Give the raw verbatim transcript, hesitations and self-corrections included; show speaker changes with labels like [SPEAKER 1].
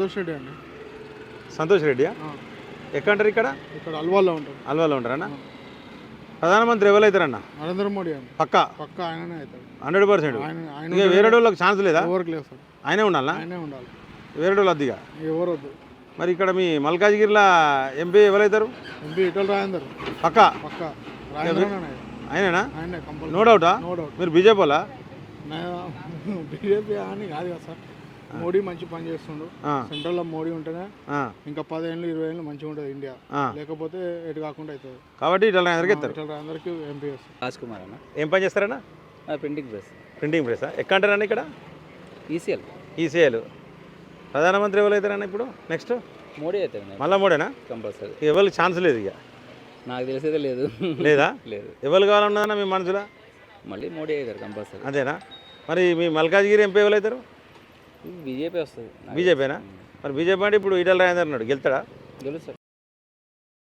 [SPEAKER 1] సంతోష్ రెడ్డి అండి.
[SPEAKER 2] సంతోష్ రెడ్డియా? ఎక్కడంటారు? ఇక్కడ
[SPEAKER 1] ఇక్కడ అల్వాల్లో ఉంటారు.
[SPEAKER 2] అల్వాలో ఉంటారన్న. ప్రధానమంత్రి ఎవరైతారన్న?
[SPEAKER 1] నరేంద్ర మోడీ అండి.
[SPEAKER 2] పక్కా
[SPEAKER 1] పక్క ఆయననే అవుతాడు.
[SPEAKER 2] Hundred percent.
[SPEAKER 1] ఆయన ఆయన
[SPEAKER 2] ఇంకా వేరే వాళ్ళకి ఛాన్స్ లేదా?
[SPEAKER 1] ఎవరికి లేదు సార్.
[SPEAKER 2] ఆయనే ఉండాలా?
[SPEAKER 1] ఆయనే ఉండాలి.
[SPEAKER 2] వేరే వాళ్ళు వద్దిగా
[SPEAKER 1] ఎవరు వద్దు.
[SPEAKER 2] మరి ఇక్కడ మీ మల్కాజ్గిరిలో ఎంపీ ఎవరైతారు?
[SPEAKER 1] ఎంపీ ఇటల్ రాజేందర్.
[SPEAKER 2] పక్కా
[SPEAKER 1] పక్క రాజేంద్ర
[SPEAKER 2] ఆయనేనా?
[SPEAKER 1] ఆయనే కంపల్సరీ.
[SPEAKER 2] నో డౌటా?
[SPEAKER 1] No doubt.
[SPEAKER 2] మీరు బీజేపీ వాళ్ళా?
[SPEAKER 1] బీజేపీ అని కాదు కదా సార్. మోడీ మంచి పని చేస్తుండు.
[SPEAKER 2] ఆ.
[SPEAKER 1] సెంట్రల్లో మోడీ ఉంటేనే
[SPEAKER 2] ఆ,
[SPEAKER 1] ఇంకా పదేళ్ళు ఇరవై ఏళ్ళు మంచిగా ఉంటుంది ఇండియా.
[SPEAKER 2] ఆ.
[SPEAKER 1] లేకపోతే ఎటు కాకుండా అవుతుంది.
[SPEAKER 2] కాబట్టి ఇట్లా అందరికి ఇస్తారు.
[SPEAKER 1] ఇటల్ రాజేందర్కి ఎంపీ వస్తుంది.
[SPEAKER 3] రాజ్ కుమార్ అన్న.
[SPEAKER 2] ఏం పని చేస్తారన్నా?
[SPEAKER 3] Printing press.
[SPEAKER 2] Printing press. ఎక్కడ అంటారన్న? ఇక్కడ
[SPEAKER 3] ఈసీఎల్.
[SPEAKER 2] ఈసీఐలు. ప్రధానమంత్రి ఎవరైతారన్న ఇప్పుడు నెక్స్ట్?
[SPEAKER 3] మోడీ అవుతుంది
[SPEAKER 2] మళ్ళా మోడేనా?
[SPEAKER 3] కంపల్సరీ.
[SPEAKER 2] ఎవరికి ఛాన్స్ లేదు ఇక?
[SPEAKER 3] నాకు తెలిసేదే లేదు.
[SPEAKER 2] లేదా?
[SPEAKER 3] లేదు.
[SPEAKER 2] ఎవరు కావాలన్నదన్నా మీ మనసులో?
[SPEAKER 3] మళ్ళీ మోడీ అవుతారు కంపల్సరీ.
[SPEAKER 2] అదేనా? మరి మీ మల్కాజ్గిరి ఎంపీ ఎవరైతారు?
[SPEAKER 3] బీజేపీ వస్తుంది.
[SPEAKER 2] బీజేపీనా? మరి బీజేపీ అంటే ఇప్పుడు ఈటల రాజేందర్ ఉన్నాడు, గెలుతాడా?
[SPEAKER 3] గెలుస్తారు.